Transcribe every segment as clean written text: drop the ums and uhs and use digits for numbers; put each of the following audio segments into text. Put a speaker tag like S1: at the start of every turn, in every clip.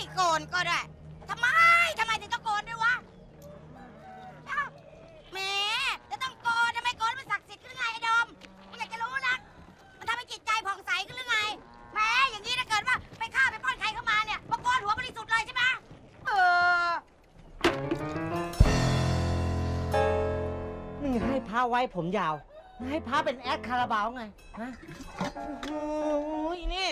S1: โกนก็ได้ทำไมถึงต้องโกนด้วยวะเอ้าแหมจะต้องโกนทำไมโกนมันศักดิ์สิทธิ์ขึ้นไงไอ้ดมมึงอยากจะรู้นะมันทำให้จิตใจผ่องใสขึ้นหรือไงแหมอย่างนี้ถ้าเกิดว่าไปฆ่าไปปล้นใครเข้ามาเนี่ยมาโกนหัวบริสุทธิ์เลยใช่ไหม
S2: มึงให้พระไว้ผมยาวให้พระเป็นแอดคาราบาวไงฮะโอ้ยนี่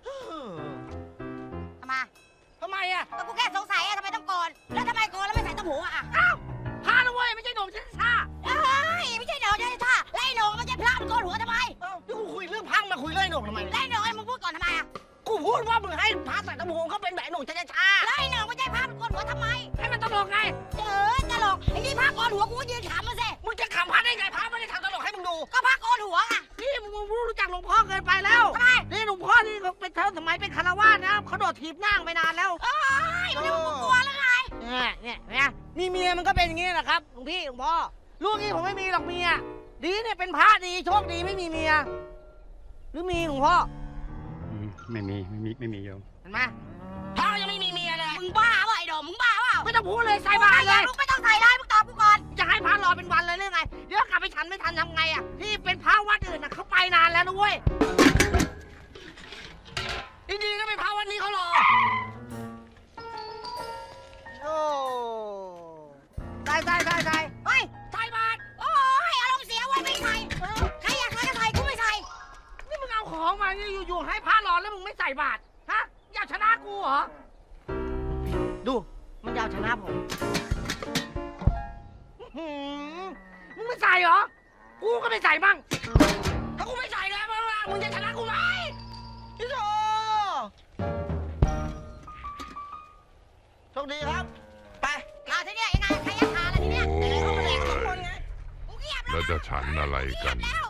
S1: ทำไม
S2: อ่ะ
S1: ก็กูแค่สงสัยอะทำไมต้องโกนแล้วทำไมโกนแล้วไม่ใส่ต้มหูอะ
S2: อ้าวพระนะเว้ยไม่ใช่หนุ่มชันชา
S1: เอ้ยไม่ใช่หนองใช่ท่าไล่หนองมันจะพระมันโกนหัวทำไม
S2: เอ้าที่กูคุยเรื่องพังมาคุยเรื่องไอ้หนุ่มทำไม
S1: ไล่หนองไอ้มึงพูดก่อนทำไมอะ
S2: กูพูดว่ามึงให้พระใส่ตะมูเขาเป็นแบบหนุ่มชันชา
S1: ไล่หนองไม่ใช่พระมันโกนหัวทำไม
S2: ให้มันตลกไง
S1: ตลกไอ้นี่พระโกนหัวกูก็ยืนขำมาสิ
S2: มึงจะขำพระได้ไงพระไม่ได้ทำตลกให้มึงดู
S1: ก็พระโกนหัวอะ
S2: นี่มึงรู้จักหลวงพ่อเกินไปแล้ว
S1: ทำไม
S2: นี่หลวงพ่อนี่เขาเป็นเธอสมัยเป็นคารวาสนะเขาโดดถีบนั่งไปนานแล้ว
S1: เอ้ยมันจะมึงกลัวแล้วไง
S2: เนี่ยมีเมียมันก็เป็นอย่างนี้แหละครับหลวงพี่หลวงพ่อลูกนี้ผมไม่มีหรอกเมียดีเนี่ยเป็นพระดีโชคดีไม่มีเมียหรือมีหลวงพ่อ
S3: ไม่มีโยม
S2: เห็นไหมพ่อยังไม่มีเมียเลย
S1: มึงบ้าเปล่าไอ้ดอมมึงบ้าเปล่า
S2: ไม่ต้องพูดเลยใส่บาตรเลย
S1: มึงไม่ต้องใส่เลยมึงตอบกูก่อน
S2: จะให้พระรอเป็นวันเลยหรือไงเดี๋ยวกลับไปฉันไม่ทันทำไงอ่ะที่เป็นพระวัดอื่นน่ะเขาไปนานแล้วนะเว้ยดีๆก็เป็นพระวัดนี้เขารอโอ้ใส่
S1: เฮ้ย
S2: ใส่บาตร
S1: โอ้ยอารมณ์เสียไว้ไม่ใส่ใครอยากใส่ก็ใส่กูไม่ใส่
S2: นี่มึงเอาของมาอยู่ๆให้พระรอแล้วมึงไม่ใส่บาตรฮะอยากชนะกูเหรอดูมันจะเอาชนะผมมึงไม่ใส่เหรอกูก็ไม่ใส่บ้างถ้ากูไม่ใส่แล้วมึงจะชนะกูไหมพี่โซโชคดีครับไป
S1: ทีเนี้ยยังไงใครอยากทานล่ะทีเนี้ย
S2: เขามาแดกสองคนไง
S1: กูเงียบแล้ว
S4: แล้วจะฉันอะไรกัน
S1: แล้ว